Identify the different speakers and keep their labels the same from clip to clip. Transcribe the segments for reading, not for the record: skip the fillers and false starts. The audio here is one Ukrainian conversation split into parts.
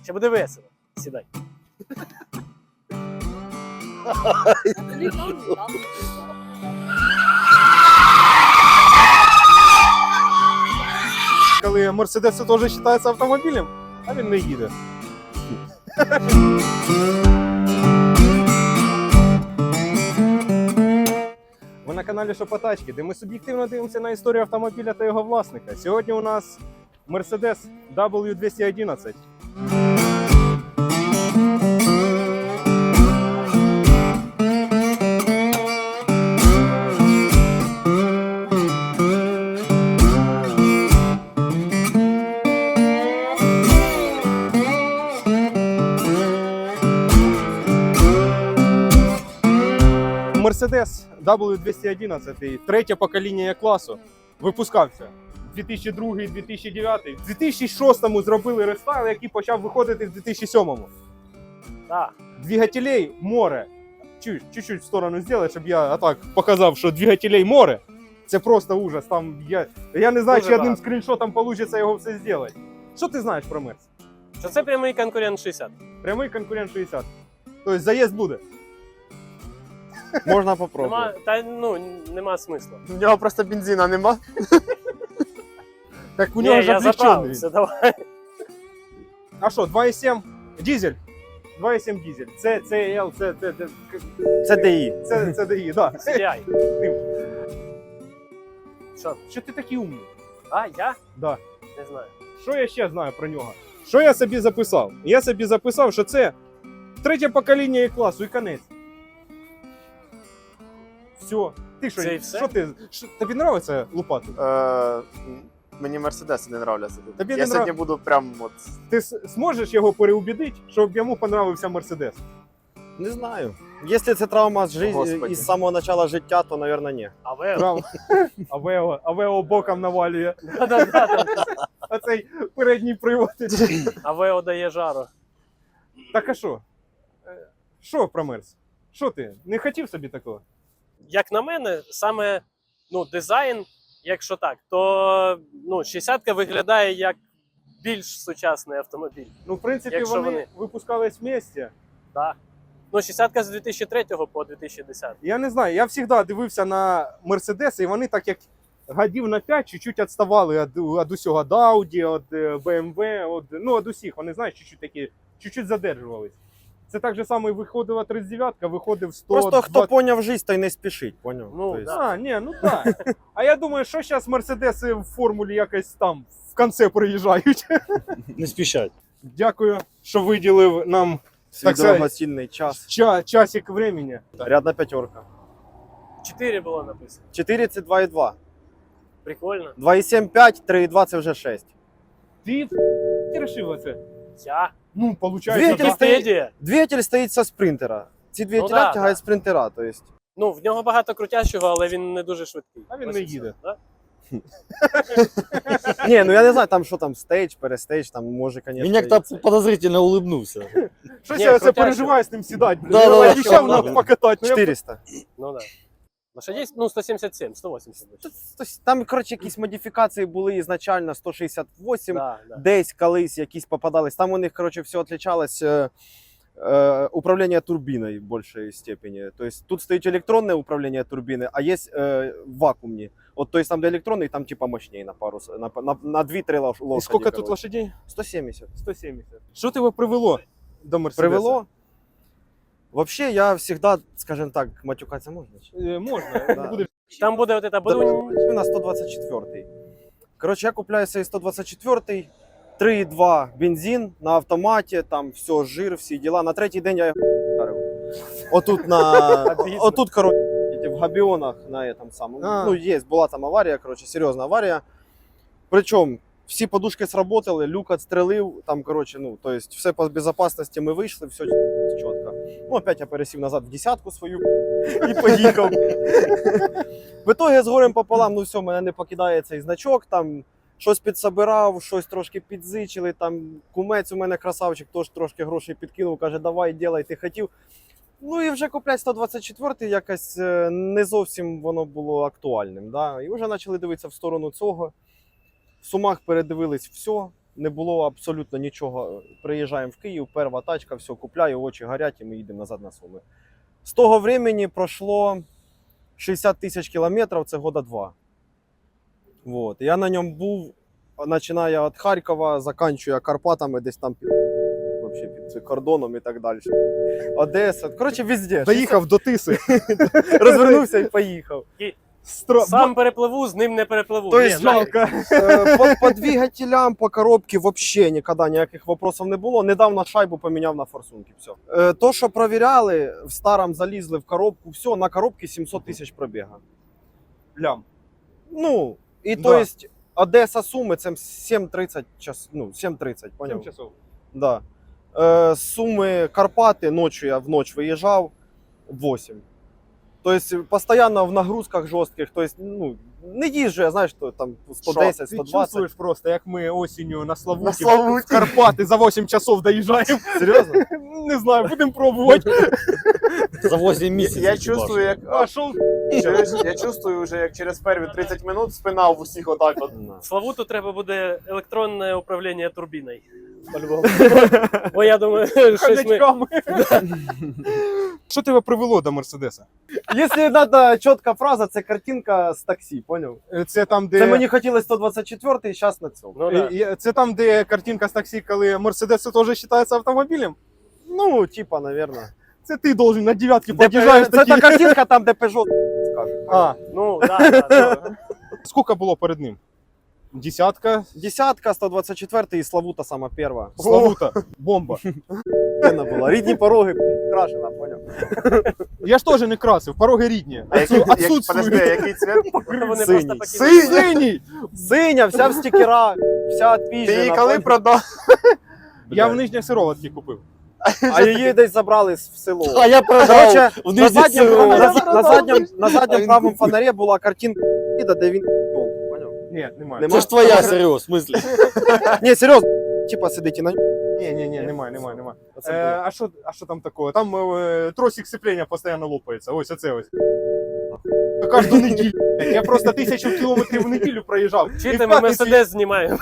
Speaker 1: Ще буде весело. Сідай.
Speaker 2: Коли Мерседес теж вважається автомобілем, а він не їде. Ви на каналі Шопотачки, де ми суб'єктивно дивимося на історію автомобіля та його власника. Сьогодні у нас Mercedes W211. Mercedes W211, третє покоління класу, випускався 2002-2009. В 2006-му зробили рестайл, який почав виходити в 2007-му.
Speaker 1: Так.
Speaker 2: Двигателей море. Чуть-чуть в сторону зробити, щоб я так показав, що двигателей море. Це просто ужас. Там я не знаю,
Speaker 1: Дуже
Speaker 2: чи одним
Speaker 1: багато.
Speaker 2: скріншотом вийде його все зробити. Що ти знаєш про Мерс?
Speaker 1: Що це прямий конкурент 60.
Speaker 2: Прямий конкурент 60. Тобто заїзд буде.
Speaker 3: Можна попробувати.
Speaker 1: Нема смислу.
Speaker 3: У нього просто бензина нема.
Speaker 2: Так у нього ж
Speaker 1: я
Speaker 2: облегчений.
Speaker 1: заправився, давай.
Speaker 2: А що, 2,7 дизель? 2,7 дизель. Це CL,
Speaker 3: Це ДІ.
Speaker 2: це DI, да.
Speaker 1: Сідай. Що?
Speaker 2: Що ти такий умний?
Speaker 1: А, я?
Speaker 2: Да.
Speaker 1: Не знаю.
Speaker 2: Що я ще знаю про нього? Що я собі записав? Я собі записав, що це третє покоління і класу, і конець. Все. Ти що,
Speaker 1: Це і все?
Speaker 2: що ти? Тобі подобається лупати?
Speaker 3: Мені Мерседеси не нравляться тут.
Speaker 2: Тобі
Speaker 3: Я
Speaker 2: не
Speaker 3: сьогодні буду прям от...
Speaker 2: Ти зможеш його переубідити, щоб йому подобався Мерседес?
Speaker 4: Не знаю. Якщо це травма
Speaker 3: Господи.
Speaker 4: із самого початку життя, то, мабуть, ні.
Speaker 1: А ви?
Speaker 2: Правда? Авео боком навалює.
Speaker 1: Да-да-да.
Speaker 2: А цей передній привод.
Speaker 1: А ви дає жару.
Speaker 2: Так а що? Що про Мерс? Що ти? Не хотів собі такого?
Speaker 1: Як на мене, саме дизайн, якщо так, то 60-ка виглядає як більш сучасний автомобіль.
Speaker 2: Ну, в принципі,
Speaker 1: Якщо
Speaker 2: вони
Speaker 1: вони-
Speaker 2: випускались вместе.
Speaker 1: Да. 60-ка з 2003 по 2010.
Speaker 2: Я не знаю, я завжди дивився на Мерседеси, і вони так як годів на 5 чуть-чуть відставали від усього, від Audi, від BMW, від усіх. Вони, знаєш, чуть-чуть задержувались. Це так же само і виходила 39-ка, виходив 100.
Speaker 4: Просто хто поняв життя, той не спішить, поняв?
Speaker 1: Ну,
Speaker 4: Тобто,
Speaker 1: да.
Speaker 2: Ну так. А я думаю, що зараз Мерседеси в формулі якось там в кінці приїжджають.
Speaker 5: Не спішать.
Speaker 2: Дякую, що виділив нам
Speaker 4: свій
Speaker 2: так сказати,
Speaker 4: дорогоцінний час.
Speaker 2: часик времени.
Speaker 4: Рядна п'ятерка.
Speaker 1: 4 було написано.
Speaker 4: 4 це 2,2.
Speaker 1: Прикольно.
Speaker 4: 2,7, 5, 3,2 це вже 6.
Speaker 2: Ти вирішив оце?
Speaker 1: Я?
Speaker 2: Ну, виходить,
Speaker 4: Двигатель
Speaker 2: так.
Speaker 4: стоїть.
Speaker 1: Вікіпедія.
Speaker 4: Двигатель стоїть со спринтера. Ці двигателя
Speaker 1: да,
Speaker 4: тягають
Speaker 1: да.
Speaker 4: спринтера, то есть.
Speaker 1: В нього багато крутящого, але він не дуже швидкий.
Speaker 2: А він
Speaker 1: Ось
Speaker 2: не
Speaker 1: і все,
Speaker 2: їде.
Speaker 1: да?
Speaker 4: Ні, ну я не знаю, там що там, стейдж, перестейдж, там може, конечно.
Speaker 5: Він як-то подозрительно улыбнувся.
Speaker 2: Щось
Speaker 1: Ні,
Speaker 2: я це
Speaker 1: крутяще.
Speaker 2: переживаю з ним сідати.
Speaker 5: Да,
Speaker 2: Я
Speaker 5: да,
Speaker 2: обіцяв
Speaker 5: да.
Speaker 2: нам покатати. Ну, я
Speaker 4: 400.
Speaker 1: Ну да. Лошадей, 177, 180.
Speaker 4: Там, коротше, якісь модифікації були ізначально 168.
Speaker 1: Да, да.
Speaker 4: Десь колись якісь попадались. Там у них, коротше, все отличалось управління турбіною в більшій степені. Тобто тут стоїть електронне управління турбіни, а є вакуумні. От, тобто там де електронний, там типа мощніше на пару, на 2-3 лошаді.
Speaker 2: І скільки тут
Speaker 4: коротше.
Speaker 2: лошадей?
Speaker 4: 170.
Speaker 2: 170. Що тебе привело до Мерседеса?
Speaker 4: Привело? Вообще, я всегда, скажем так, матюкатися можна?
Speaker 2: Можна.
Speaker 4: Да.
Speaker 2: Будеш.
Speaker 1: Там буде от это
Speaker 4: На 124-й. Коротше, я купляю цей 124-й, 3,2 бензин на автоматі, там все, жир, всі діла. На третій день я його вдарив. Отут, коротше, в Габіонах на этом самому.
Speaker 2: А.
Speaker 4: Ну, була там аварія, коротше, серйозна аварія. Причому всі подушки сработали, люк відстрелив, там, коротше, то есть все по безопасності ми вийшли, все чітко. Ну, опять я пересів назад в десятку свою і поїхав. В итоге з горем пополам, все, мене не покидає цей значок, там щось підсобирав, щось трошки підзичили, там кумець у мене красавчик, теж трошки грошей підкинув, каже, давай, ділай, ти хотів. Ну і вже купляти 124 якось не зовсім воно було актуальним. Да? І вже почали дивитися в сторону цього. В Сумах передивились все, не було абсолютно нічого. Приїжджаємо в Київ, перша тачка, все, купляю, очі горять і ми їдемо назад на Суми. З того времени пройшло 60 тисяч кілометрів, це года 2. Вот. Я на ньому був, починаю від Харкова, закінчую Карпатами, десь там вообще під кордоном і так далі. Одеса, коротше, везде.
Speaker 2: Доїхав до Тиси.
Speaker 4: Розвернувся і поїхав.
Speaker 1: Сам перепливу, з ним не перепливу.
Speaker 4: То
Speaker 1: Ні,
Speaker 4: есть,
Speaker 1: ну,
Speaker 2: жалко.
Speaker 4: по двигателям, по коробці вообще ніколи ніяких вопросів не було. Недавно шайбу поміняв на форсунки. Все. То, що провіряли, в старому залізли в коробку, все, на коробці 700 тисяч пробіга.
Speaker 2: Лям.
Speaker 4: Ну, і
Speaker 2: Да.
Speaker 4: то есть Одеса Суми це 7:30 час, ну, 7:30, поняв?
Speaker 2: 7 часов.
Speaker 4: Да. Суми Карпати, ночью я в ночь виїжджав 8. То есть постоянно в нагрузках жорстких, то есть, ну, не їжджу, я знаю, що там 110,
Speaker 2: Ти
Speaker 4: 120.
Speaker 2: чувствуєш просто, як ми осінню на Славуті,
Speaker 3: На Славуті.
Speaker 2: в Карпати за 8 часов доїжджаємо.
Speaker 4: Серйозно?
Speaker 2: Не знаю, будемо пробувати.
Speaker 5: За 8 місяців.
Speaker 3: Я чувствую, як
Speaker 2: А що?
Speaker 3: я чувствую вже, як через перві 30 минут спина в усіх отак от.
Speaker 1: Славуту треба буде електронне управління турбіною. По-любому. Бо я думаю, щось ми...
Speaker 2: Хомячками. Що тебе привело до Мерседеса?
Speaker 4: Якщо треба чітка фраза, це картинка з таксі, поняв?
Speaker 2: Це там, де...
Speaker 4: Це мені хотілося 124 і зараз на цьому.
Speaker 1: Ну, да.
Speaker 2: Це там, де картинка з таксі, коли Мерседес теж вважається автомобілем?
Speaker 4: Ну, типа, наверное.
Speaker 2: Це ти должен на дев'ятки
Speaker 4: Де,
Speaker 2: під'їжджаєш
Speaker 4: це
Speaker 2: такі.
Speaker 4: та картинка там, де Peugeot скаже.
Speaker 2: А,
Speaker 1: Ну, да.
Speaker 2: скільки було перед ним? Десятка?
Speaker 4: Десятка, 124 і Славута сама перша.
Speaker 2: Славута. Бомба.
Speaker 4: Охуєнна була. Рідні пороги, крашена, поняв?
Speaker 2: Я ж теж не красив, пороги рідні.
Speaker 3: А який, подожди,
Speaker 2: Отсутствують.
Speaker 3: який цвет?
Speaker 1: Вони
Speaker 4: Синій.
Speaker 1: просто покинули.
Speaker 2: Синій!
Speaker 4: Синя, вся в стікерах, вся
Speaker 3: Ти її
Speaker 4: відпіжена.
Speaker 3: коли продав?
Speaker 2: Я в Нижніх Сироватки купив.
Speaker 4: А її десь забрали в село.
Speaker 5: А я продав
Speaker 4: Короче,
Speaker 5: в
Speaker 4: на
Speaker 5: Нижніх
Speaker 4: задньому,
Speaker 5: Сироватках.
Speaker 4: на задньому правому фонарі була картинка, де він поняв?
Speaker 2: Ні, немає.
Speaker 4: Нема?
Speaker 5: Це ж твоя, Сереж, в смислі.
Speaker 4: Ні, серйозно, типа сидить і на
Speaker 2: Ні, немає.
Speaker 4: Оце було.
Speaker 2: А що там такого? Там тросик сцеплення постійно лопається. Ось оце ось. Кожну неділю. Я просто 1000 кілометрів в неділю проїжджав.
Speaker 1: Чи
Speaker 2: І
Speaker 1: ти
Speaker 2: в
Speaker 1: ми
Speaker 2: п'ятницю
Speaker 1: Мерседес знімаємо?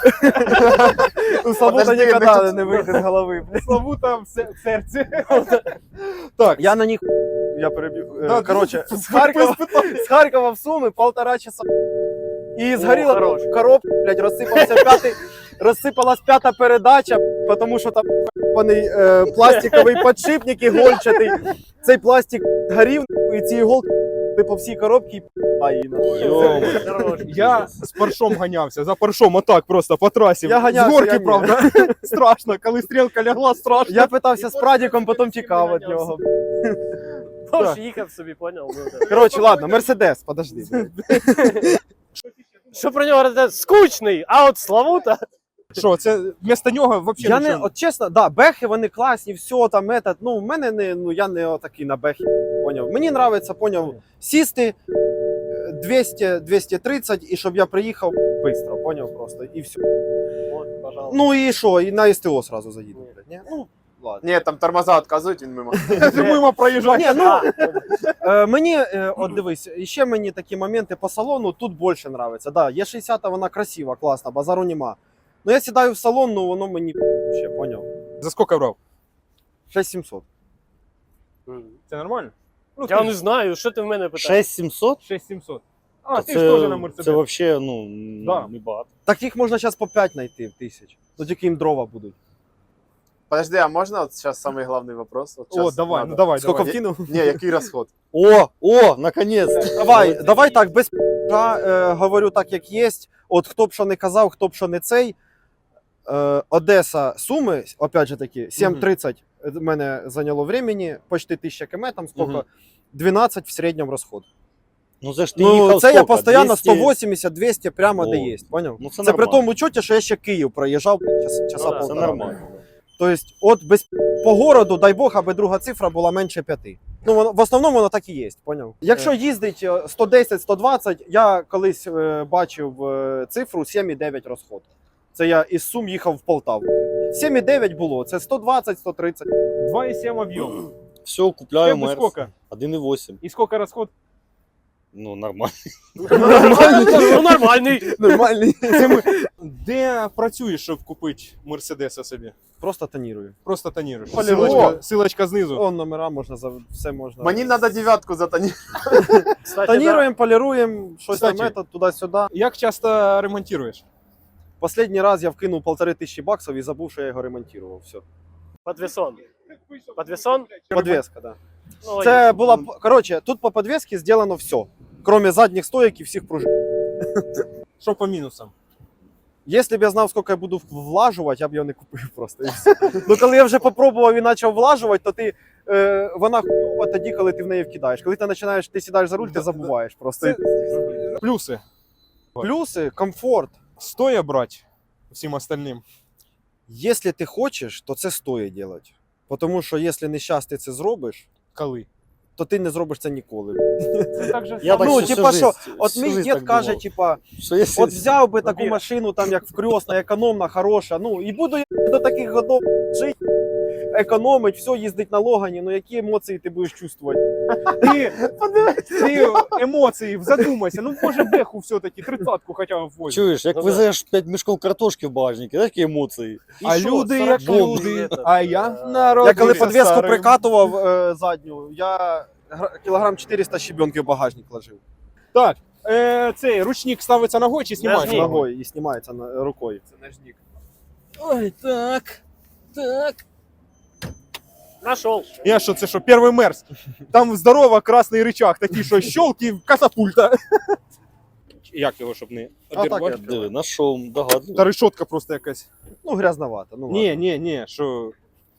Speaker 4: У Славута
Speaker 3: Подожди,
Speaker 4: ніколи не вийде з голови.
Speaker 2: Славута в серці. Так,
Speaker 4: Я на них, я перебіг.
Speaker 2: Да,
Speaker 4: Короче,
Speaker 2: да,
Speaker 4: з Харкова в Суми 1,5 часа. І згоріла
Speaker 1: хорош.
Speaker 4: коробка, блядь, розсипалась п'ята передача, тому що там паний пластиковий підшипник ігольчатий. Цей пластик горів, і ці іголки по всій коробці і
Speaker 5: Йома.
Speaker 2: я з паршом ганявся, за паршом отак просто по трасі.
Speaker 4: Я ганявся,
Speaker 2: з горки,
Speaker 4: я ні.
Speaker 2: правда. Страшно, коли стрілка лягла, страшно.
Speaker 4: Я питався з прадіком, потім тікав від нього.
Speaker 1: Тож їхав собі, поняв? Ну, да.
Speaker 4: Коротше, ладно, Мерседес, подожди.
Speaker 1: Що про нього говорити? Скучний, а от Славута...
Speaker 2: Що, це вместо нього взагалі
Speaker 4: Я не,
Speaker 2: нічого?
Speaker 4: от чесно, да, бехи вони класні, все там, этот, ну, в мене не, ну, я не отакий на бехи, поняв. Мені нравиться, поняв, сісти 200-230, і щоб я приїхав швидко, поняв, просто, і все.
Speaker 1: От, пожалуйста.
Speaker 4: Ну і що, і на СТО сразу заїду, блядь, ні? Ну, ладно.
Speaker 3: Ні, там тормоза відказують, він мимо.
Speaker 2: Мимо проїжджати.
Speaker 4: Ні, ну, мені, от дивись, ще мені такі моменти по салону тут більше нравиться. Да, Е60 вона красива, класна, базару нема. Ну я сідаю в салон, ну воно мені ще, поняв.
Speaker 2: За скільки брав?
Speaker 4: 6700.
Speaker 2: Це нормально? Ну,
Speaker 1: Я не знаю, що ти в мене питаєш?
Speaker 5: 6700?
Speaker 2: 6700. А, ти ж теж на Мерседес.
Speaker 5: Це взагалі, ну,
Speaker 2: Да.
Speaker 5: не багато.
Speaker 4: Так їх можна зараз по 5 знайти тисяч. Ну тільки їм дрова будуть.
Speaker 3: Подожди, а можна от зараз самий головний вопрос? От
Speaker 2: О,
Speaker 3: щас
Speaker 2: давай,
Speaker 3: надо.
Speaker 2: ну давай,
Speaker 4: Скільки
Speaker 2: давай.
Speaker 4: вкинув?
Speaker 3: Ні, який розход?
Speaker 5: О, наконець.
Speaker 4: Давай так, без говорю так, як є. От хто б що не казав, хто б що не цей. Одеса, Суми, опять же таки, 7:30 мене зайняло времени, почти 1000 км, там скільки,
Speaker 5: Мгм.
Speaker 4: 12 в середньому розход.
Speaker 5: Ну це ж ти
Speaker 4: Ну,
Speaker 5: їхав
Speaker 4: це я
Speaker 5: скільки?
Speaker 4: постійно
Speaker 5: 200?
Speaker 4: 180-200 прямо де
Speaker 5: О.
Speaker 4: є, поняв?
Speaker 5: Ну це
Speaker 4: Це при
Speaker 5: нормально.
Speaker 4: тому чуті, що я ще Київ проїжджав часа
Speaker 1: Ну да,
Speaker 5: Це
Speaker 4: полтора.
Speaker 5: нормально.
Speaker 4: Тобто, от без по городу, дай Бог, аби друга цифра була менше 5. Ну, в основному воно так і є, поняв? Якщо їздить 110-120, я колись бачив цифру 7,9 розход. Це я із Сум їхав в Полтаву. 7,9 було, це 120-130.
Speaker 2: 2,7 об'єм.
Speaker 5: Все, купляю
Speaker 2: Тебе
Speaker 5: Мерс.
Speaker 2: скільки?
Speaker 5: 1,8.
Speaker 2: І скільки розход?
Speaker 5: Ну, нормально.
Speaker 1: Ну, нормальний.
Speaker 4: Нормальний.
Speaker 2: Де працюєш, щоб купити Мерседеса собі?
Speaker 4: Просто тонірую.
Speaker 2: Просто тоніруєш.
Speaker 4: Полірую.
Speaker 2: Силочка знизу.
Speaker 4: О, номера можна, все можна.
Speaker 3: Мені треба дев'ятку затонірувати.
Speaker 1: Кстати, да.
Speaker 4: Тоніруємо, поліруємо, щось там
Speaker 2: Кстати.
Speaker 4: туди-сюди.
Speaker 2: Як часто ремонтуєш?
Speaker 4: Последній раз я вкинув $1500 і забув, що я його ремонтував. Все.
Speaker 1: Подвесон. Подвесон?
Speaker 4: Подвеска, да.
Speaker 1: Ну,
Speaker 4: Це
Speaker 1: логічно.
Speaker 4: була, коротше, тут по подвесці зроблено все. Кроме задніх стоїк і всіх пружин.
Speaker 2: Що по мінусам?
Speaker 4: Якщо б я знав, скільки я буду влажувати, я б його не купив просто. І все. Ну коли я вже попробував і почав влажувати, то ти, вона хуйова тоді, коли ти в неї вкидаєш. Коли ти починаєш, ти сідаєш за руль, ти забуваєш просто.
Speaker 2: Це плюси.
Speaker 4: Плюси, комфорт.
Speaker 2: Стоя брати всім остальним.
Speaker 4: Якщо ти хочеш, то це стоїть робити. Тому що якщо не щас ти це зробиш,
Speaker 2: Коли?
Speaker 4: то ти не зробиш це ніколи.
Speaker 2: Це так же
Speaker 5: Я
Speaker 2: само.
Speaker 5: так
Speaker 4: Ну,
Speaker 5: всю
Speaker 4: типа
Speaker 5: жизнь-
Speaker 4: що, от
Speaker 5: всю
Speaker 4: мій
Speaker 5: жизнь
Speaker 4: дід
Speaker 5: так
Speaker 4: каже,
Speaker 5: думав.
Speaker 4: типа,
Speaker 5: Що якщо...
Speaker 4: от взяв би таку
Speaker 1: Вір.
Speaker 4: машину, там як вкрёсна, економна, хороша, ну і буду я до таких годов жити, економить, все, їздить на Логані, ну які емоції ти будеш чувствувати?
Speaker 2: Ти емоції, задумайся. Ну, може, беху все-таки, 30-ку хоча б возьму.
Speaker 5: Чуєш, як
Speaker 1: Ну,
Speaker 5: везеш 5 мішків картошки в багажнику, такі емоції.
Speaker 1: І
Speaker 2: А
Speaker 1: що,
Speaker 2: люди
Speaker 1: 40
Speaker 2: як
Speaker 1: бомб
Speaker 2: люди,
Speaker 1: этот,
Speaker 2: а я
Speaker 1: е,
Speaker 2: народ.
Speaker 4: Я коли
Speaker 2: Дивися,
Speaker 4: подвеску
Speaker 2: старий.
Speaker 4: прикатував задню, я кілограм 400 щебенки в багажник ложив.
Speaker 2: Так, цей ручник ставиться ногою чи знімаєш
Speaker 1: Ножник.
Speaker 2: ногою?
Speaker 4: Ногою і знімається рукою.
Speaker 3: Це ножник.
Speaker 2: Ой, так.
Speaker 1: Нашел.
Speaker 2: Я що, це що, перший мерз? Там здорово красний рычаг, такий, що щелки, катапульта. Як його, щоб не
Speaker 4: А так
Speaker 2: обірвати?
Speaker 4: я-
Speaker 5: Диви, нашов, догадливо.
Speaker 2: Та решетка просто якась.
Speaker 4: Ну, грязновато. Ну,
Speaker 2: Ні, що.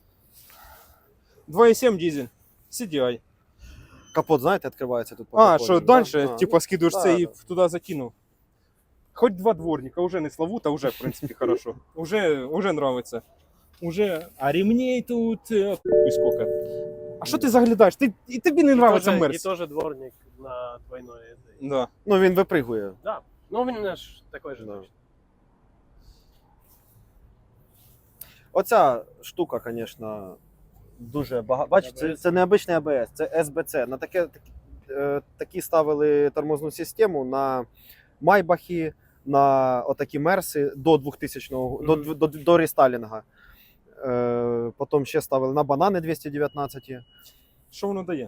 Speaker 2: 2,7 дизель. CDI.
Speaker 4: Капот, знаєте, відкривається тут. по
Speaker 2: А,
Speaker 4: приколу,
Speaker 2: що
Speaker 4: да?
Speaker 2: далі,
Speaker 4: А,
Speaker 2: типа, скидуєш
Speaker 4: да,
Speaker 2: це і
Speaker 4: да.
Speaker 2: туди закинув. Хоть два дворника, уже не славута, уже, в принципі, хорошо. Уже нравится. Уже. А ремней тут хуй сколько. А що ти заглядаєш? І тобі не нравиться
Speaker 1: И
Speaker 2: Мерс.
Speaker 1: тоже дворник на двойной этой.
Speaker 2: Да.
Speaker 4: Ну, він випригує.
Speaker 1: Да. Ну, у меня ж такой же.
Speaker 4: Да.
Speaker 1: точно.
Speaker 4: Оця штука, звісно, дуже багато. Бачите, це не обичний АБС, це СБЦ. На такі ставили тормозну систему на Майбахи, на отакі Мерси до 2000-го, до рестайлінга. Потім ще ставили на банани 219.
Speaker 2: Що воно дає?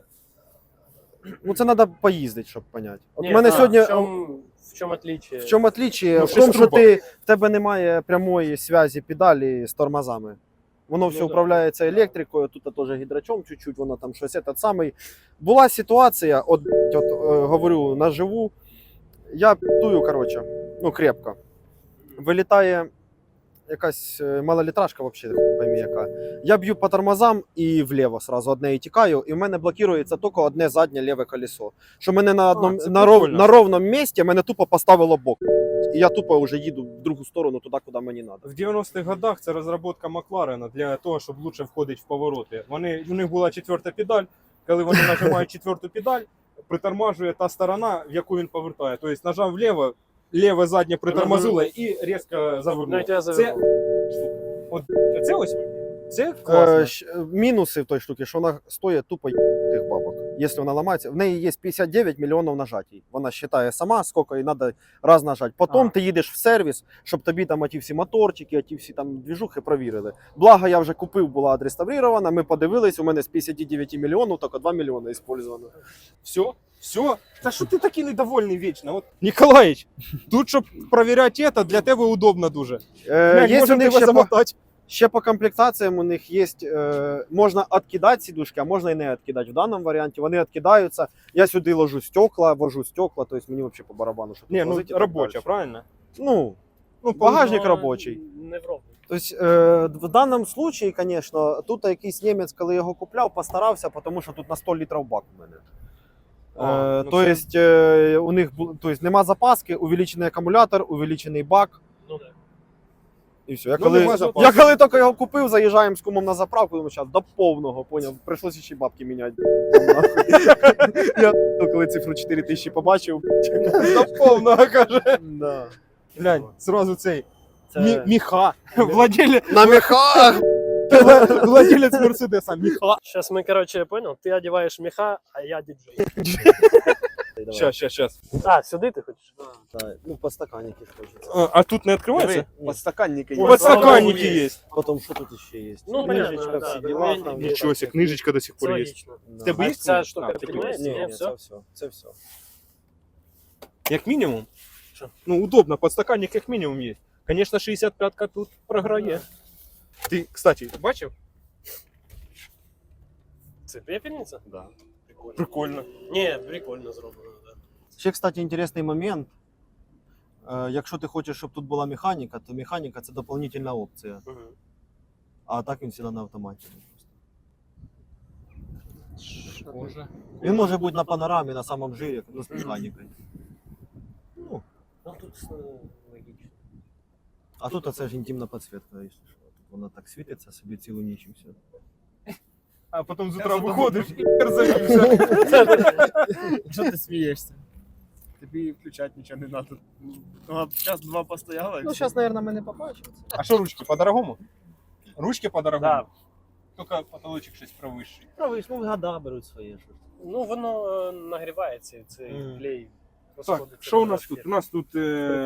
Speaker 4: Ну, це треба поїздити, щоб зрозуміти. От
Speaker 1: Не,
Speaker 4: мене
Speaker 1: а,
Speaker 4: сьогодні.
Speaker 1: в чем отличие?
Speaker 4: В чому отличие?
Speaker 2: Ну,
Speaker 4: в тому, що
Speaker 2: шестерубок.
Speaker 4: в тебе немає прямої зв'язі педалі з тормозами. Воно все
Speaker 1: да.
Speaker 4: управляється електрикою, тут теж гідрачом чуть-чуть, воно там щось этот самий. Була ситуація, говорю наживу, я п'ятую, коротше, ну крепко. Вилітає якась малолітражка, взагалі, пойми яка. Я б'ю по тормозам і вліво сразу одне і тікаю, і в мене блокується тільки одне заднє ліве колесо. Що мене
Speaker 2: це
Speaker 4: на
Speaker 2: прикольно.
Speaker 4: ровному місці мене тупо поставило бок. І я тупо вже їду в другу сторону, туди, куди мені треба.
Speaker 2: В 90-х годах це розробка Макларена для того, щоб лучше входити в повороти. У них була четверта педаль. Коли вони нажимають четверту педаль, притормажує та сторона, в яку він повертає. Тобто нажав вліво, ліве заднє притормозило і різко
Speaker 1: Ну,
Speaker 2: завернуло.
Speaker 1: я тебя
Speaker 2: Це,
Speaker 1: завернул.
Speaker 2: от, це ось, це класно.
Speaker 4: Мінуси в той штуки, що вона стоїть тупо тих бабок. Якщо вона ламається, в неї є 59 мільйонів нажатій. Вона вважає сама, скільки їй треба раз нажати. Потім ти їдеш в сервіс, щоб тобі там оті всі моторчики, оті всі там двіжухи провірили. Благо, я вже купив, була відреставрована, ми подивились, у мене з 59 мільйонів тільки 2 мільйони використано.
Speaker 2: Все. Та що ти такий недовольний вічно? От, Ніколаїч, тут, щоб перевіряти це, для тебе удобно дуже. Глянь,
Speaker 4: Є у
Speaker 2: можемо
Speaker 4: них
Speaker 2: тебе замотати.
Speaker 4: ще по комплектаціям у них є, можна відкидати сідушки, а можна і не відкидати. В даному варіанті вони відкидаються. Я сюди ложу стекла, вожу стекла, тобто мені взагалі по барабану, щоб
Speaker 2: Ні, ну
Speaker 4: возити і так
Speaker 2: робоча,
Speaker 4: далі.
Speaker 2: правильно?
Speaker 4: Ну,
Speaker 2: Ну,
Speaker 4: багажник
Speaker 1: Но
Speaker 4: робочий.
Speaker 1: Не в ровном.
Speaker 4: Тобто, в даному випадку, звісно, тут якийсь німець, коли його купляв, постарався, тому що тут на 100 літрів бак у мене.
Speaker 2: А, ну
Speaker 4: Тобто, у них нема запаски, увеличений акумулятор, увеличений бак.
Speaker 1: Ну да.
Speaker 4: І все. Я
Speaker 2: Ну,
Speaker 4: коли,
Speaker 2: нема запасу.
Speaker 4: я коли тільки його купив, заїжджаємо з кумом на заправку, думаю, зараз до повного, поняв, прийшлося ще й бабки міняти. Я коли цифру 4000 побачив.
Speaker 2: До повного, каже.
Speaker 4: Да.
Speaker 2: Глянь, зразу цей
Speaker 4: Це...
Speaker 2: міха. Владелець
Speaker 4: На мехах!
Speaker 2: Мерседеса, міха.
Speaker 1: Сейчас мы, короче, понял, ты одеваешь меха, а я диджей.
Speaker 2: Щас.
Speaker 1: А, сюди ти хочеш?
Speaker 4: Да, ну, подстаканники ж хочеться.
Speaker 2: А тут не відкривається?
Speaker 3: Подстаканники є.
Speaker 2: Подстаканники є.
Speaker 4: Потім, що тут ще є?
Speaker 1: Ну,
Speaker 4: Книжечка,
Speaker 1: понятно,
Speaker 4: всі
Speaker 1: да,
Speaker 4: діла.
Speaker 1: да,
Speaker 4: там.
Speaker 2: Нічого себе, книжечка до сих
Speaker 1: Це
Speaker 2: пор є.
Speaker 1: логічно.
Speaker 4: Да.
Speaker 2: В тебе
Speaker 1: А
Speaker 2: є
Speaker 1: ця
Speaker 2: книжка?
Speaker 1: штука
Speaker 2: А, в тебе
Speaker 1: піднімається?
Speaker 2: є.
Speaker 4: Ні,
Speaker 1: Ні,
Speaker 4: ні,
Speaker 1: все?
Speaker 4: це все.
Speaker 2: Як мінімум.
Speaker 1: Що?
Speaker 2: Ну, удобно, подстаканник як мінімум є. Звісно, 65-ка тут програє. Ти, кстати, бачив?
Speaker 1: Це пепельниця?
Speaker 2: Да. Прикольно.
Speaker 1: Ні, прикольно зроблено, так.
Speaker 4: Ще, кстати, інтересний момент. Якщо ти хочеш, щоб тут була механіка, то механіка це дополнительна опція.
Speaker 1: Да.
Speaker 4: А так він завжди на автоматі.
Speaker 2: Може.
Speaker 4: Він може бути на панорамі, на самому жирі, ну, з механікою.
Speaker 1: Ну, тут логічно.
Speaker 4: А тут оце ж інтимна підсвітка, якщо що. Тут вона так світиться собі цілу ніч і все.
Speaker 2: А потім з утра виходиш і завівся.
Speaker 3: Що ти смієшся? Тобі включати нічого не треба. Ну, а час два постояла.
Speaker 4: Ну, зараз, мабуть, ми не побачимо.
Speaker 2: А що ручки, по-дорогому? Ручки по-дорогому?
Speaker 1: Да.
Speaker 2: Тільки потолочок щось провищий.
Speaker 4: Правиш, ну, года беруть своє щось.
Speaker 1: Ну, воно нагрівається, цей клей.
Speaker 2: Так,
Speaker 1: розходиться
Speaker 2: що у
Speaker 1: на
Speaker 2: нас
Speaker 1: розхід.
Speaker 2: тут? У нас тут...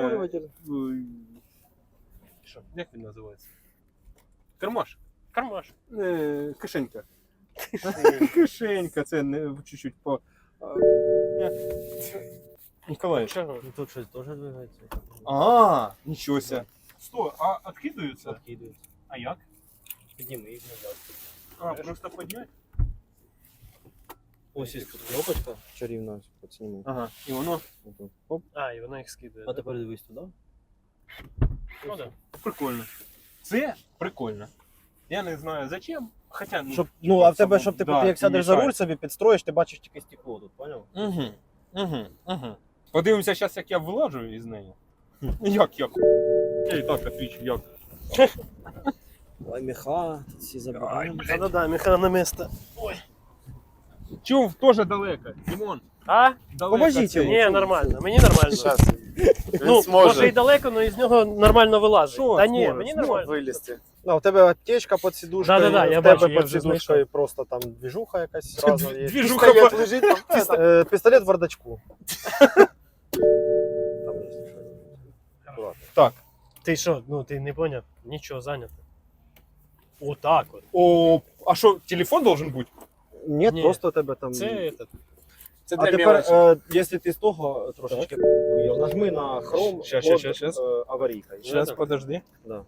Speaker 1: Що?
Speaker 2: Як він називається? Кермаш.
Speaker 1: Кармаш.
Speaker 2: Кишенька. Кишенька, це не чуть-чуть по... Ніколай.
Speaker 1: Чого?
Speaker 4: Ну, тут щось теж двигається.
Speaker 2: А, нічого себе. Стой, а відкидаються?
Speaker 4: Відкидується.
Speaker 2: А як?
Speaker 4: Підніми їх назад.
Speaker 2: А, просто підняти?
Speaker 4: Ось є тут кнопочка чарівна, підсніму.
Speaker 2: Ага, і воно
Speaker 4: Оп.
Speaker 1: А, і вона їх скидає.
Speaker 4: А тепер дивись туди.
Speaker 1: Ну, да.
Speaker 2: прикольно. Це прикольно. Я не знаю зачем, хоча...
Speaker 4: Щоб, ну, а в тебе, щоб ти
Speaker 2: Да,
Speaker 4: як сядеш за
Speaker 2: мішає.
Speaker 4: руль собі підстроїш, ти бачиш тільки стекло тут, поняв?
Speaker 2: Угу. Подивимося зараз, як я вилажу із неї. Як? Я і так отвічу, як.
Speaker 4: Ой, меха, тут всі забираємо.
Speaker 1: Да-да-да, меха на місце.
Speaker 2: Чув, теж далеко. Дімон,
Speaker 1: А?
Speaker 2: далеко.
Speaker 4: Поможіть
Speaker 2: це.
Speaker 4: йому.
Speaker 1: Ні, нормально. Мені нормально.
Speaker 3: Щас.
Speaker 1: Ну,
Speaker 3: зможе.
Speaker 1: може і далеко, але із нього нормально вилазить.
Speaker 2: Що
Speaker 1: Та ні,
Speaker 2: зможе?
Speaker 1: мені
Speaker 2: Зможе
Speaker 1: нормально.
Speaker 3: Вилізти.
Speaker 4: Ну, у тебе аптечка під сідушкою,
Speaker 1: Да-да-да, я
Speaker 4: в тебе
Speaker 1: бачу, я
Speaker 4: під
Speaker 1: вже
Speaker 4: сідушкою
Speaker 1: знайшов.
Speaker 4: просто там движуха якась разом є.
Speaker 2: Двіжуха
Speaker 3: Пістолет
Speaker 2: по...
Speaker 3: лежить там.
Speaker 4: Пістолет в бардачку.
Speaker 2: Так.
Speaker 1: Ти що, ну ти не поняв? Нічого зайнято. Отак от.
Speaker 2: О, а що, телефон должен бути?
Speaker 4: Ні,
Speaker 1: Ні.
Speaker 4: просто у тебе там...
Speaker 1: Це этот.
Speaker 3: Це
Speaker 4: А
Speaker 3: для
Speaker 4: тепер,
Speaker 3: мелочі.
Speaker 4: якщо ти з того трошечки нажми на хром,
Speaker 2: Щас.
Speaker 4: аварійка.
Speaker 2: Зараз,
Speaker 1: так.
Speaker 2: подожди.
Speaker 4: Да.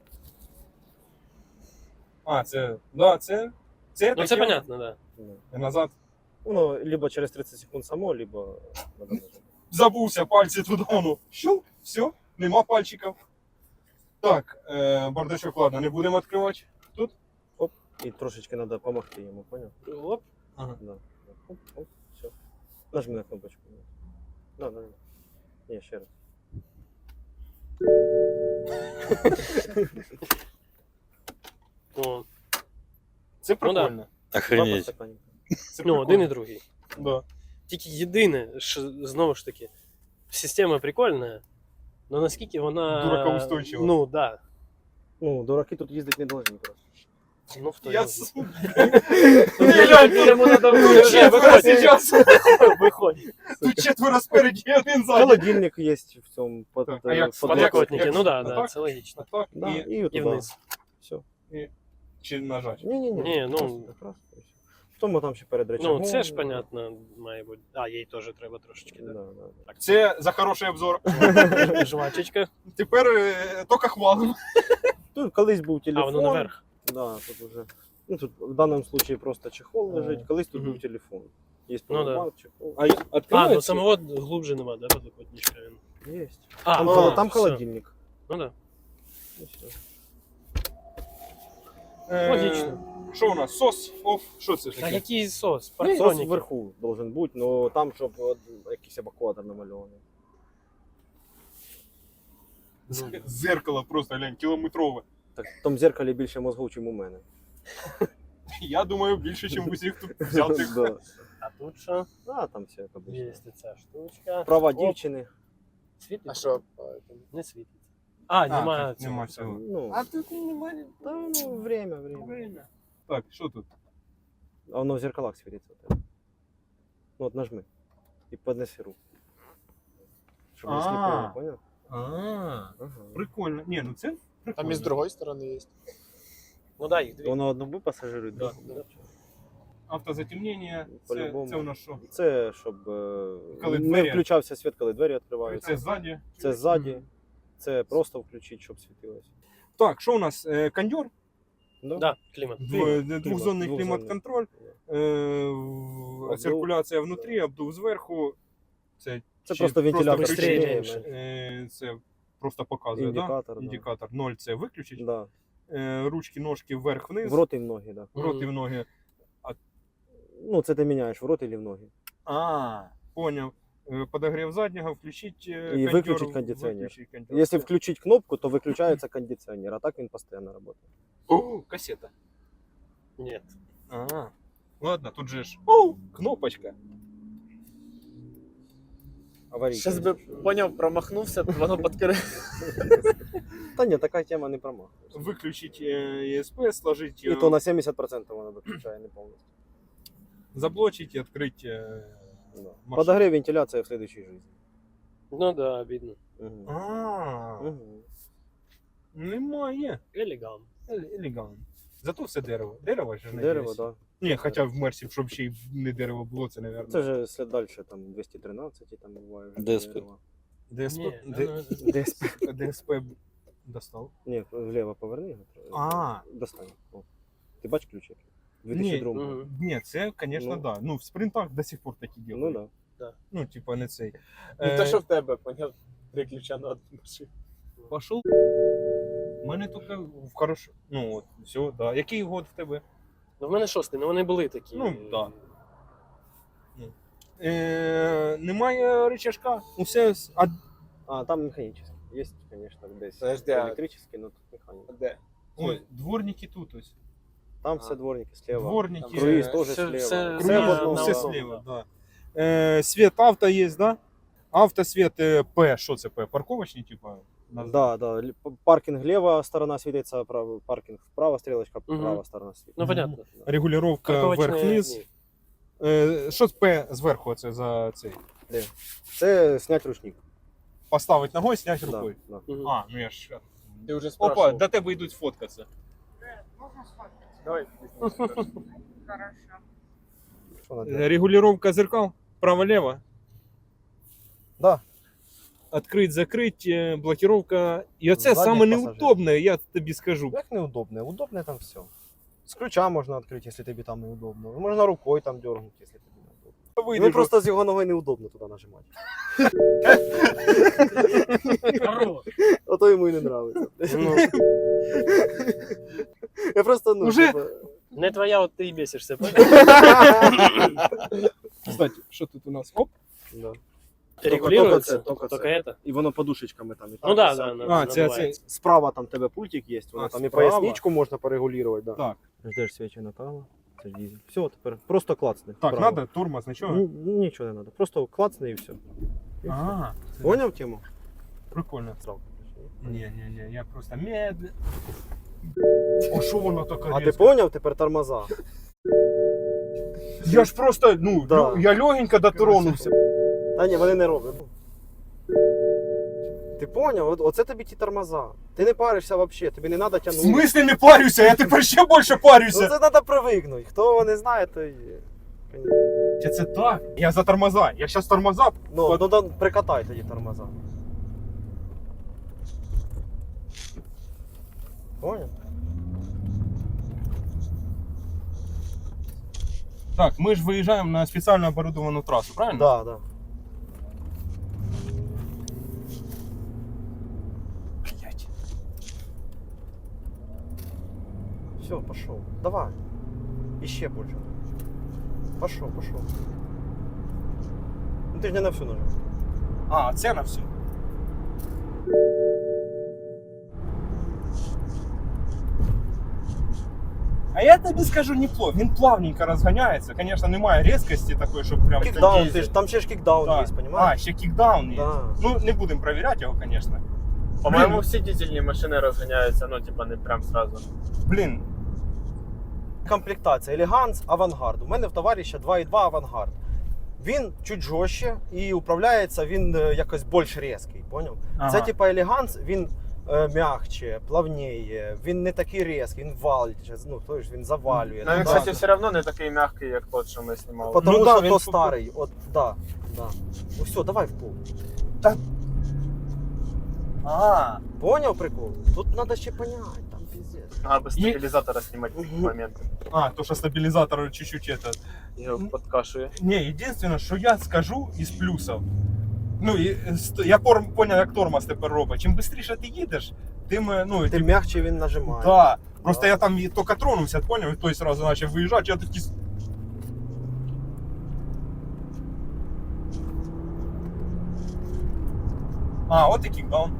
Speaker 2: А, це, да, це
Speaker 1: Ну це
Speaker 2: таке.
Speaker 1: понятно, да.
Speaker 2: І назад.
Speaker 4: Ну, либо через 30 секунд само, либо...
Speaker 2: Забувся, пальці туди, ну, щелк, все, нема пальчиків. Так, бардачок, ладно, не будемо відкривати. Тут?
Speaker 4: І трошечки треба допомогти йому, поняв?
Speaker 1: Оп.
Speaker 2: Ага.
Speaker 4: Да. Оп, оп, все. Нажми на кнопочку. Да. Ні, ще раз.
Speaker 1: О,
Speaker 2: Це
Speaker 1: Ну, да.
Speaker 2: прикольно.
Speaker 4: Два
Speaker 5: Охренеть.
Speaker 4: подстаканника.
Speaker 2: Це
Speaker 1: ну,
Speaker 2: прикольно.
Speaker 1: один і другий.
Speaker 2: Да.
Speaker 1: Тільки єдине, що знову ж таки, система прикольна, але наскільки вона.
Speaker 2: Дуракоустойчива.
Speaker 1: Ну, да.
Speaker 4: Ну, дураки тут їздити не должны просто.
Speaker 1: Ну, в той
Speaker 2: Я
Speaker 1: раз.
Speaker 2: Йому надо
Speaker 1: Ні, виходь.
Speaker 2: зараз.
Speaker 1: Виходь.
Speaker 2: Тут четверо спереді, один ззаді.
Speaker 4: Холодильник є в цьому под,
Speaker 2: Так, а як
Speaker 4: под
Speaker 1: Подлокотники,
Speaker 2: як-
Speaker 1: ну да,
Speaker 2: отак?
Speaker 1: да, це логічно.
Speaker 2: Так,
Speaker 4: Да,
Speaker 2: і
Speaker 4: і,
Speaker 1: І
Speaker 4: туди.
Speaker 1: вниз.
Speaker 4: Все.
Speaker 2: чи нажать.
Speaker 4: Ні.
Speaker 1: Ні, ну-
Speaker 4: Просто якраз. В тому там ще перед речагом.
Speaker 1: Ну, це ж понятно, має бути. А, їй теж треба трошечки,
Speaker 4: Да,
Speaker 1: да.
Speaker 4: да.
Speaker 2: Це за хороший обзор.
Speaker 1: Жвачечка.
Speaker 2: Тепер тільки хвалимо.
Speaker 4: Тут колись був телефон.
Speaker 1: А, воно наверх.
Speaker 4: Да, тут уже. Ну, тут в даному случае просто чехол лежить, колись тут
Speaker 1: Мгм.
Speaker 4: був телефон. Є
Speaker 1: Ну, да.
Speaker 4: повербанк, чехол.
Speaker 2: А
Speaker 1: А,
Speaker 2: відкривається?
Speaker 1: ну самого глубже нема, да, подлокотничка він.
Speaker 4: Є.
Speaker 1: А,
Speaker 4: Там,
Speaker 1: ну,
Speaker 4: там
Speaker 1: все.
Speaker 4: холодильник.
Speaker 1: Ну да.
Speaker 4: І все.
Speaker 1: Логічно.
Speaker 2: Що у нас? Сос? Оф, що це
Speaker 1: А
Speaker 2: таке?
Speaker 1: який сос?
Speaker 4: Сос
Speaker 1: Партроніки.
Speaker 4: вверху должен бути, але там, щоб от, якийсь евакуатор намальований.
Speaker 2: Зеркало просто, глянь, кілометрове.
Speaker 4: Так, в тому зеркалі більше мозгов, ніж у мене.
Speaker 2: Я думаю, більше, ніж усіх тут взятих.
Speaker 4: Да.
Speaker 1: А тут що?
Speaker 4: А, там все як обычно.
Speaker 1: Є ця штучка.
Speaker 4: Права
Speaker 1: Оп.
Speaker 4: дівчини.
Speaker 1: Світиться?
Speaker 3: А що?
Speaker 1: Не світиться. А, немає
Speaker 2: тут
Speaker 1: цього.
Speaker 2: нема цього.
Speaker 4: Ну,
Speaker 3: А тут немає.
Speaker 4: та, ну, время.
Speaker 2: Так, що тут?
Speaker 4: А воно в зеркалах світиться. у тебе. Ну, от нажми. і поднеси руку. Щоб не сліпило, поняв?
Speaker 2: Прикольно. Ні, ну це прикольно.
Speaker 3: Там і з другої сторони є.
Speaker 1: Ну да, їх дві.
Speaker 4: Воно одному пасажиру.
Speaker 1: Да.
Speaker 2: Автозатемнення,
Speaker 4: По-любому.
Speaker 2: це у нас що?
Speaker 4: Це щоб
Speaker 2: Коли
Speaker 4: не
Speaker 2: двері-
Speaker 4: включався світ, коли двері відкриваються.
Speaker 2: Це ззаді.
Speaker 4: Це ззаді. Це просто включити, щоб світилося.
Speaker 2: Так, що у нас? Кондьор?
Speaker 1: Да, клімат.
Speaker 2: Двохзонний
Speaker 4: Двохзонний.
Speaker 2: клімат-контроль, циркуляція внутрі, обдув зверху. Це
Speaker 4: просто вентилятор.
Speaker 2: виключення,
Speaker 1: Быстрее,
Speaker 2: це просто показує,
Speaker 4: Індикатор,
Speaker 2: да?
Speaker 4: да.
Speaker 2: Індикатор. 0 це виключить.
Speaker 4: Да.
Speaker 2: Ручки, ножки вверх-вниз.
Speaker 4: В рот і в ноги, да.
Speaker 2: В рот і в ноги.
Speaker 4: Ну, це ти міняєш в рот і в ноги.
Speaker 2: Поняв. Подогрів заднього, включить
Speaker 4: І виключить кондиціонер.
Speaker 2: Виключить кондиціонер.
Speaker 4: Якщо включить кнопку, то виключається кондиціонер, а так він постійно працює.
Speaker 2: О, кассета.
Speaker 1: Ні.
Speaker 2: Ладно, тут же ж. Кнопочка.
Speaker 4: Аварійка.
Speaker 3: Щас би поняв, промахнувся, воно підкрив.
Speaker 4: Та ні, така тема не промахує.
Speaker 2: Виключить ESP, сложить,
Speaker 4: І то на 70% воно виключає, не повністю.
Speaker 2: заблочить і відкрити.
Speaker 4: Да.
Speaker 2: Машина.
Speaker 4: Подогрев вентиляція в следующей жизни.
Speaker 1: Ну да, обідно.
Speaker 4: Угу.
Speaker 2: Немає.
Speaker 1: Елегант.
Speaker 2: Елегант. Зато все дерево. Дерево ж не
Speaker 4: Дерево,
Speaker 2: десь.
Speaker 4: так.
Speaker 2: Ні, хоча в Мерсі, щоб ще й не дерево було, це, мабуть.
Speaker 4: Це вже слід далі, там 213 і там буває. вже
Speaker 5: ДСП.
Speaker 4: дерево.
Speaker 2: ДСП,
Speaker 1: Ні,
Speaker 4: ДСП.
Speaker 2: ДСП достав.
Speaker 4: Ні, вліво поверни його.
Speaker 2: А.
Speaker 4: Достань. О. Ти бачиш ключик?
Speaker 2: Ні,
Speaker 4: 2002.
Speaker 1: Мгм.
Speaker 2: Ні, це, звісно,
Speaker 4: Ну.
Speaker 2: да. Ну, в спринтах до сих пор такі
Speaker 4: Ну
Speaker 2: ділають.
Speaker 4: да.
Speaker 2: Ну, типа, не цей.
Speaker 3: Не те, що в тебе, поняв, 3 ключа на одну машину.
Speaker 2: Пошел. У мене тільки в хорошо. Ну, от, все, да. Який год в тебе?
Speaker 1: Ну в мене 6-й, ну вони були такі.
Speaker 2: Ну, да. Немає рычажка. Усе.
Speaker 4: А, там механічний. Є, звісно, десь
Speaker 3: Подожди, а-
Speaker 4: електричний, але тут механіка.
Speaker 3: Де?
Speaker 2: Ой, дворники тут ось.
Speaker 4: Там все дворники слева.
Speaker 2: Дворники.
Speaker 4: Круїз
Speaker 1: Все-
Speaker 4: теж
Speaker 1: все-
Speaker 4: слева.
Speaker 1: все-
Speaker 2: Круїз,
Speaker 4: Все в
Speaker 1: на-
Speaker 4: одному.
Speaker 1: на
Speaker 2: все
Speaker 1: одному,
Speaker 2: слева,
Speaker 1: да.
Speaker 2: да. Свет авто є, да? Автосвет П. Що це П? Парковочний, типа?
Speaker 4: Да, да. Паркінг лева сторона світиться, паркінг вправо, стрілочка
Speaker 1: Мгм.
Speaker 4: права сторона світиться.
Speaker 1: Ну, понятно.
Speaker 2: Регулировка
Speaker 1: Парковочні
Speaker 2: вверх-вниз.
Speaker 1: ні.
Speaker 2: Що з П зверху це за цей?
Speaker 4: Це снять ручник.
Speaker 2: Поставити ногою, зняти
Speaker 4: Да,
Speaker 2: рукою.
Speaker 4: да.
Speaker 1: Мгм.
Speaker 2: А, ну я ж.
Speaker 3: Ти вже
Speaker 2: Опа,
Speaker 3: спрашивав.
Speaker 2: до тебе йдуть фоткатися.
Speaker 3: Давай.
Speaker 4: Що надо?
Speaker 2: Регулировка зеркал право-лево.
Speaker 4: Да.
Speaker 2: Открыть, закрыть, блокировка. І оце
Speaker 4: Задніх
Speaker 2: саме
Speaker 4: пасажирів.
Speaker 2: неудобне, я тобі скажу.
Speaker 4: Як неудобне? Удобне там все. З ключа можна відкрити, якщо тобі там неудобно. Можна рукою там дергнути, якщо тобі неудобно.
Speaker 2: Вийдеш,
Speaker 4: Ну просто з його ноги неудобно туди нажимати.
Speaker 1: Хорош.
Speaker 4: Ото йому і не подобається.
Speaker 2: Ну.
Speaker 4: Я просто, ну,
Speaker 2: Уже?
Speaker 4: типа,
Speaker 1: Не твоя, от ти і бісишся.
Speaker 2: Кстати, що тут у нас? Оп.
Speaker 4: да.
Speaker 1: Регулюється,
Speaker 4: Тільки
Speaker 1: тільки
Speaker 4: це.
Speaker 1: це.
Speaker 4: І воно подушечками там. І
Speaker 1: Ну
Speaker 4: так,
Speaker 1: да,
Speaker 4: і
Speaker 1: да.
Speaker 4: сяк.
Speaker 2: А, це
Speaker 1: надувається.
Speaker 4: Справа там тебе пультик є, воно
Speaker 2: А,
Speaker 4: там і
Speaker 2: справа?
Speaker 4: поясничку можна порегулювати. Да.
Speaker 2: Так.
Speaker 4: Ждеш свічі направо, це ж дизель. Все, тепер просто клацни.
Speaker 2: Так,
Speaker 4: вправо.
Speaker 2: надо тормоз, нічого?
Speaker 4: Ну, нічого не треба, просто клацни і все.
Speaker 2: Ага,
Speaker 4: Поняв тему?
Speaker 2: прикольно.
Speaker 4: Сразу.
Speaker 2: Ні, я просто медленно. О, що воно таке?
Speaker 4: А ти
Speaker 2: різке?
Speaker 4: поняв тепер тормоза?
Speaker 2: Я ж просто, ну,
Speaker 4: Да.
Speaker 2: я легенько дотронувся.
Speaker 4: Та ні, вони не роблять. Ти поняв? Оце тобі ті тормоза. Ти не паришся взагалі, тобі не треба
Speaker 2: В
Speaker 4: тягнути.
Speaker 2: смислі не парюся, я тепер ще більше
Speaker 4: Ну
Speaker 2: парюся.
Speaker 4: це треба привикнути. Хто його не знає, то й...
Speaker 2: Це так? Я за тормоза. Я зараз тормоза.
Speaker 4: Ну, ну прикатай тоді тормоза. Поняв?
Speaker 2: Так, ми ж виїжджаємо на спеціально оборудовану трасу, правильно?
Speaker 4: Да, да.
Speaker 2: Блять.
Speaker 4: Все, пошел. Давай. Еще больше. Пошел. Ну ты же не на всю нажал.
Speaker 2: А, це на все. А я тобі скажу неплохо. Він плавненько розганяється. Звісно, немає різкості такої, щоб прям.
Speaker 4: Кикдаун, ты ж, там ще ж кикдаун
Speaker 2: Да.
Speaker 4: есть,
Speaker 2: А,
Speaker 4: понимаешь?
Speaker 2: ще кікдаун є.
Speaker 4: Да.
Speaker 2: Ну, не будемо перевіряти його, звісно.
Speaker 3: По-моєму, всі дизельні машини розганяються, ну, типа, не прям сразу.
Speaker 2: Блін,
Speaker 4: Комплектація Елеганс, Авангард. У мене в товариша 2.2 Авангард. Він чуть жорстче і управляється він якось більш різкий, поняв?
Speaker 2: Ага.
Speaker 4: Це типа елеганс, він м'якче, плавніє, він не такий різкий, він валить, ну, то ж він завалює.
Speaker 3: Ну, він,
Speaker 4: Да.
Speaker 3: кстати, все одно не такий м'який, як тот, що ми знімали.
Speaker 4: Потому
Speaker 2: Ну да,
Speaker 4: що
Speaker 2: він
Speaker 4: то
Speaker 2: тут-
Speaker 4: старий, от, да. Ну все, давай в пол.
Speaker 2: А,
Speaker 4: Поняв прикол? Тут треба ще поняти, там пиздец.
Speaker 3: Треба без стабілізатора знімати такі моменти.
Speaker 2: то що стабілізатор чуть-чуть это.
Speaker 3: Його подкашує.
Speaker 2: Не, единственное, що я скажу із плюсів. Ну, і, я поняв, як тормоз тепер робить. Чим швидше ти їдеш, тим, ну,
Speaker 4: Тим м'якче він нажимає.
Speaker 2: да. Просто
Speaker 4: Да.
Speaker 2: я там тільки тронувся, поняв, і той сразу почав виїжджати, я такий... А, от такий даун.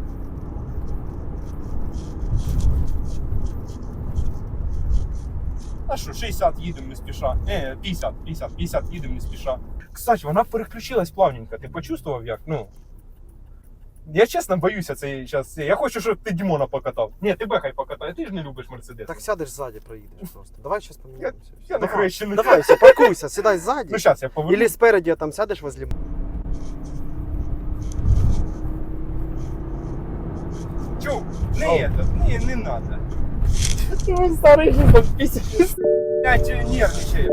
Speaker 2: А що, 60 їдемо не спіша. 50 їдемо не спіша. Кстати, вона переключилась плавненько. Ти почувствував як? Ну. Я чесно боюся це зараз. Я хочу, щоб ти Дімона покатав. Ні, тебе хай покатає, ти ж не любиш Мерседес.
Speaker 4: Так сядеш ззаді, проїдеш просто. Давай зараз поміняємося.
Speaker 2: Я не хрещений.
Speaker 4: Давай, все, паркуйся, сідай ззаді.
Speaker 2: Ну зараз я поверну.
Speaker 4: Или спереді там сядеш возле.
Speaker 2: Чу, не надо.
Speaker 3: Він старий же там пісять.
Speaker 2: Я нервничаю.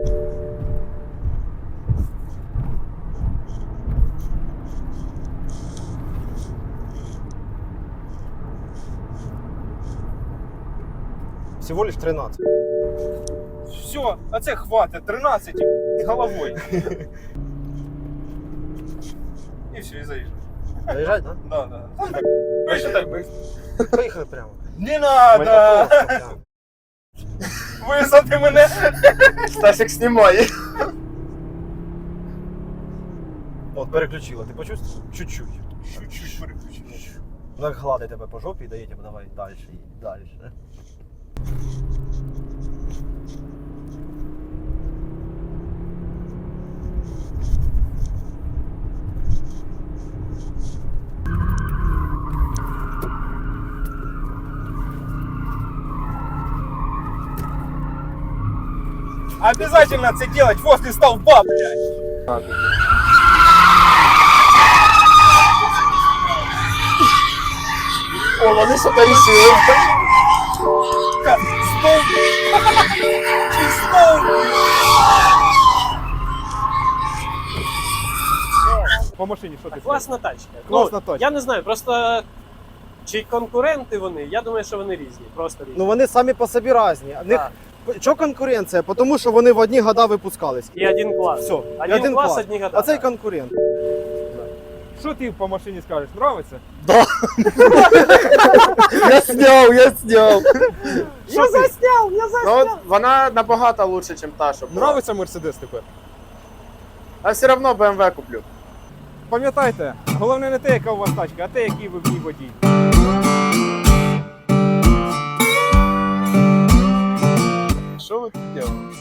Speaker 4: Всего лиш 13.
Speaker 2: Все, а це хватить, 13 і головою. І все, і заїжджай.
Speaker 4: Заїжджай, да?
Speaker 2: Да. Ви що так быстро?
Speaker 4: Поїхали прямо.
Speaker 2: Не надо!
Speaker 4: Просто прямо.
Speaker 2: Висади мене!
Speaker 3: Стасик знімає.
Speaker 4: От, переключила, ти почувствував? Чуть-чуть.
Speaker 2: Чуть-чуть переключив.
Speaker 4: Так гладить тебе по жопі і дає тебе, давай далі, далі.
Speaker 2: Обязательно це делать возле столба, блядь.
Speaker 3: О, вони що-то рішили.
Speaker 2: Столб! Чи столб? По машині що ти
Speaker 1: Класна тачка.
Speaker 2: Класна
Speaker 1: Ну,
Speaker 2: тачка.
Speaker 1: я не знаю, просто чи конкуренти вони, я думаю, що вони різні. Просто різні.
Speaker 4: Ну вони самі по собі різні. В них чого конкуренція? Тому що вони в одні года випускались.
Speaker 1: І один клас.
Speaker 4: Все,
Speaker 1: Один клас, одні года.
Speaker 4: А цей конкурент.
Speaker 2: Що ти по машині скажеш? Нравиться?
Speaker 5: Я сняв.
Speaker 1: Я засняв!
Speaker 3: Ну, от вона набагато лучше, ніж та, що була.
Speaker 2: Нравиться Мерседес тепер?
Speaker 3: А все одно BMW куплю.
Speaker 2: Пам'ятайте, головне не те, яка у вас тачка, а те, який ви в ній водій.
Speaker 3: Що ви тут робите?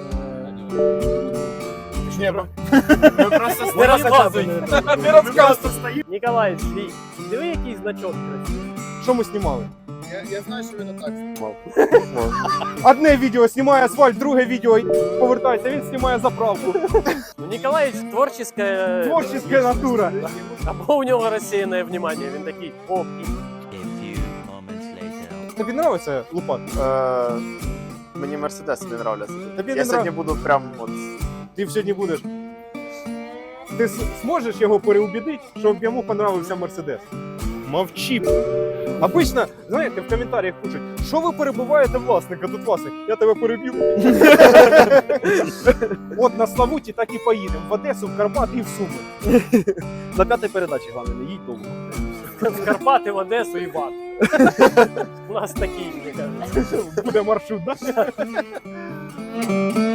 Speaker 3: Ні, ми просто
Speaker 1: Не розказуй!
Speaker 2: Не розказуй!
Speaker 1: Ніколай, свій. Диви, який значок красивий.
Speaker 2: Що ми знімали?
Speaker 3: Я знаю, що він так знімав.
Speaker 2: Одне відео знімає асфальт, друге відео повертається, він знімає заправку.
Speaker 1: Ну, Ніколаївич творческая...
Speaker 2: Творческая натура.
Speaker 1: Або у нього розсіяне внимание, він такий, о,
Speaker 6: A few moments later.
Speaker 2: Тобі подобається лупат?
Speaker 3: Мені Мерседес не нравляться.
Speaker 2: Тобі
Speaker 3: Я
Speaker 2: не
Speaker 3: сьогодні буду прям от...
Speaker 2: Ти сьогодні будеш. Ти зможеш його переубідити, щоб йому понравився Мерседес? Мовчи. Обично, знаєте, в коментарях пишуть, що ви перебуваєте власника, тут власник, я тебе переб'ю. От на Славуті так і поїдемо. В Одесу, в Карпати і в Суми.
Speaker 4: На п'ятій передачі, головне, не їдь довго.
Speaker 1: в Карпати, в Одесу і Бат. У нас такий, мені кажуть.
Speaker 2: Буде маршрут, так?